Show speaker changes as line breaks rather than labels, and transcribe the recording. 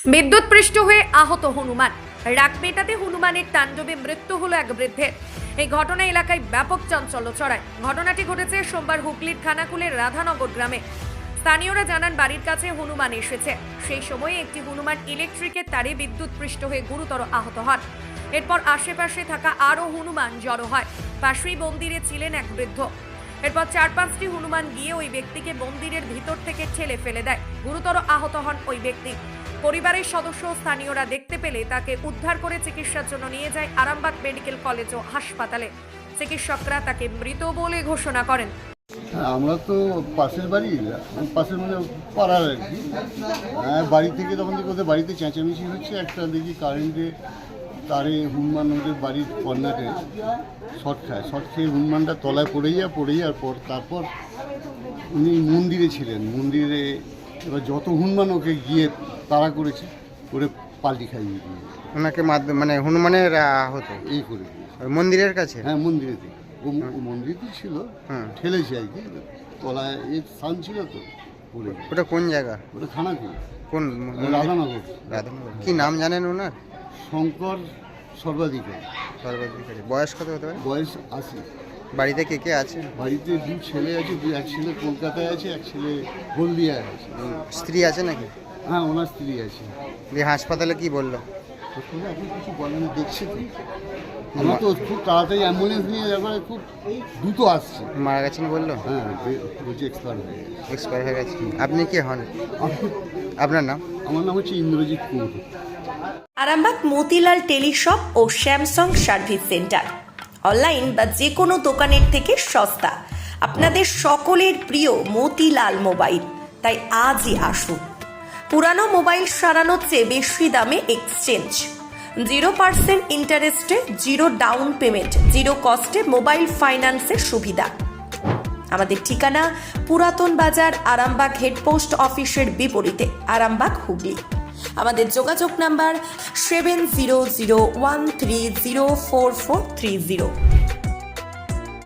বিদ্যুৎপৃষ্ট হয়ে আহত হনুমান। রাগ মেটাতে হনুমানের তাণ্ডবে মৃত্যু হলো এক বৃদ্ধের। এই ঘটনা এলাকায় ব্যাপক চাঞ্চল্য ছড়ায়। ঘটনাটি ঘটেছে সোমবার হুগলির খানাকুলের রাধানগর গ্রামে। স্থানীয়রা জানান বাড়ির কাছে হনুমান এসেছে। সেই সময় একটি হনুমান ইলেকট্রিকের তারে বিদ্যুৎপৃষ্ট হয়ে গুরুতর আহত হন। এরপর আশেপাশে থাকা আরও হনুমান জড়ো হয়। পাশেই মন্দিরে ছিলেন এক বৃদ্ধ। এরপর 4-5টি হনুমান গিয়ে ওই ব্যক্তিকে মন্দিরের ভিতর থেকে ঠেলে ফেলে দেয়। গুরুতর আহত হন ওই ব্যক্তি। পরিবারের সদস্য স্থানীয়রা দেখতে পেলে তাকে উদ্ধার করে চিকিৎসার জন্য নিয়ে যায় আরামবাগ মেডিকেল কলেজ ও হাসপাতালে। চিকিৎসকরা তাকে মৃত বলে ঘোষণা করেন।
আমরা তো পাশের বাড়ি, পাশের মানে পাড়ার আর কি। বাড়ি থেকে তখন থেকে ওদের বাড়িতে চেঁচামেচি হচ্ছে, একটা দেখি কারেন্টে তারে হনুমান ওদের বাড়ির কর্নারে শর্ট খেয়ে হনুমানটা তলায় পড়ে যাওয়ার পর তারপর উনি মন্দিরে ছিলেন। মন্দিরে এবার যত হনুমান ওকে গিয়ে তাড়া করেছে, করে পাল্টি খাইয়ে দিয়ে
ওনাকে মানে হনুমানের হতো
এই করে
মন্দিরের কাছে।
হ্যাঁ, মন্দিরে থেকে ও মন্দিরে ছিল, ঠেলেছে আর কি। তলায় এর স্থান ছিল তো পড়ে।
ওটা কোন জায়গা?
ওটা খানাকুল,
কোন
রাধানগর।
কি নাম জানেন ওনার?
শঙ্কর সর্বাধিকারী।
বয়স কত হতে পারে?
বয়স 80।
বাড়িতে কে কে আছে?
বাড়িতে 2 ছেলে আছে, এক ছেলে কলকাতায় আছে, এক ছেলে হলদিয়ায় আছে।
স্ত্রী আছে নাকি?
হ্যাঁ, ওনার স্ত্রী আছে।
দিয়ে হাসপাতালে কি বললো?
এখন কিছু বলেন, দেখছে তো। আমরা তো খুব তাড়াতাড়ি অ্যাম্বুলেন্স নিয়ে যাবার খুব দ্রুত আসছে।
মারা গেছেন বললো?
হ্যাঁ, বলছি এক্সপায়ার হয়ে গেছে।
এক্সপায়ার হয়ে গেছে। আপনি কে হন? আপনার নাম?
আমার নাম হচ্ছে ইন্দ্রজিৎ কুমার।
আরামবাগ মতিলাল টেলিশপ ও স্যামসাং সার্ভিস সেন্টার অনলাইন বা যে কোনো দোকানের থেকে সস্তা। আপনাদের সকলের প্রিয় মতিলাল মোবাইল। তাই আজই আসুন। পুরানো মোবাইল সারানোর চেয়ে বেশি দামে এক্সচেঞ্জ, 0% ইন্টারেস্টে, 0 ডাউন পেমেন্ট, 0 কস্টে মোবাইল ফাইন্যান্সের সুবিধা। আমাদের ঠিকানা পুরাতন বাজার, আরামবাগ হেডপোস্ট অফিসের বিপরীতে, আরামবাগ, হুগলি। আমাদের যোগাযোগ নাম্বার 7001304430।